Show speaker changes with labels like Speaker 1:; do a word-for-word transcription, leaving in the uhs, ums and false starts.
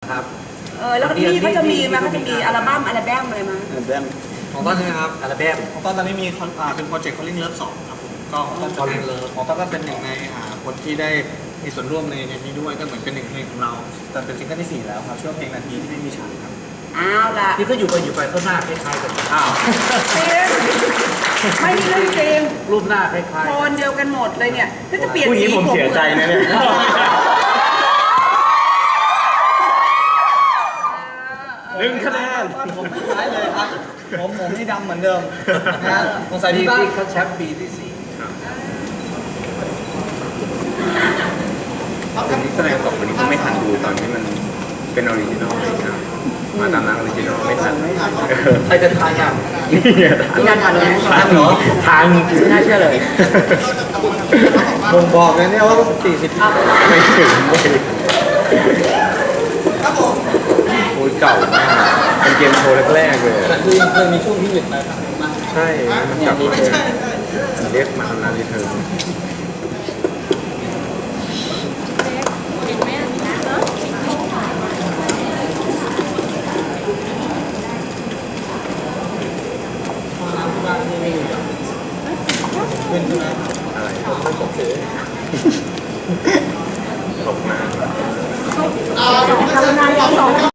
Speaker 1: ครับ
Speaker 2: เออแล้วก็ที่เขาจะมีมาเขาจะมีอัลบั้มอัลบั้มอะไรมา
Speaker 3: อัลบั้ม
Speaker 1: ของต้นนะครับอัลบั้ม
Speaker 4: ของต้นตอนนี้มีคอนอ่าเป็นโปรเจกต์ Calling Love สองครับผมก็ของต้น
Speaker 1: Calling Love
Speaker 4: ของต้นก็เป็นหนึ่งในอ่าคนที่ได้มีส่วนร่วมในในนี้ด้วยก็เหมือนเป็นหนึ่งเพลงของเราจนเป็นซิงเกิลที่สี่แล้วครับชื่อว่าเพลงนาทีที่ไม่มีฉันครับ
Speaker 2: อ้าวล่ะ
Speaker 1: ที่ก็อยู่ไปอยู่ไปก็หน้าคล้ายๆกันอ้าว
Speaker 2: จริงไม่มีเรื่องจริง
Speaker 1: รูปหน้าคล้าย
Speaker 2: โทนเดียวกันหมดเลยเนี่ยถ้าจะเปลี่ยน
Speaker 3: ผู้หญิ
Speaker 2: สี
Speaker 3: งผมเสียใจนะเนี่ย หนึ่งคะแนน
Speaker 4: ผมไม่คล้ายเลยครับผมผมนี่ดำเหมือนเดิมนะสงสัย
Speaker 1: ๆ
Speaker 4: ที่
Speaker 1: ที่
Speaker 4: บ้าน
Speaker 1: ที่เขาแชมป์ปีที่สี่
Speaker 3: วันนี้แสดงสองคนนี้ก็ไม่ทันดูตอนที่มันเป็นออริจินอลเลยครับมาตามร้านออริจินอลไม่ทัน
Speaker 1: ใครจะทายยัง
Speaker 2: พี่นันทันไหม
Speaker 1: ทันเหรอ
Speaker 3: ทาง
Speaker 2: ไม่น่าเชื่อเลย
Speaker 4: บ่งบอกเลยเนี่ยว่าสี่สิบอัพ
Speaker 3: ไม่ถึงเลยโอ้ยเก่ามากเป็นเกมโชว์แรกๆเลย
Speaker 4: แต่คือยังเคยมีช่วงที่หยุดไปครับมา
Speaker 3: ใช่มันกลับมาเลยเรียกมาทำงานรีเทิร์น
Speaker 4: เป็นใช่ไหม
Speaker 3: อะไรตกมา
Speaker 2: ทำงานที่สอง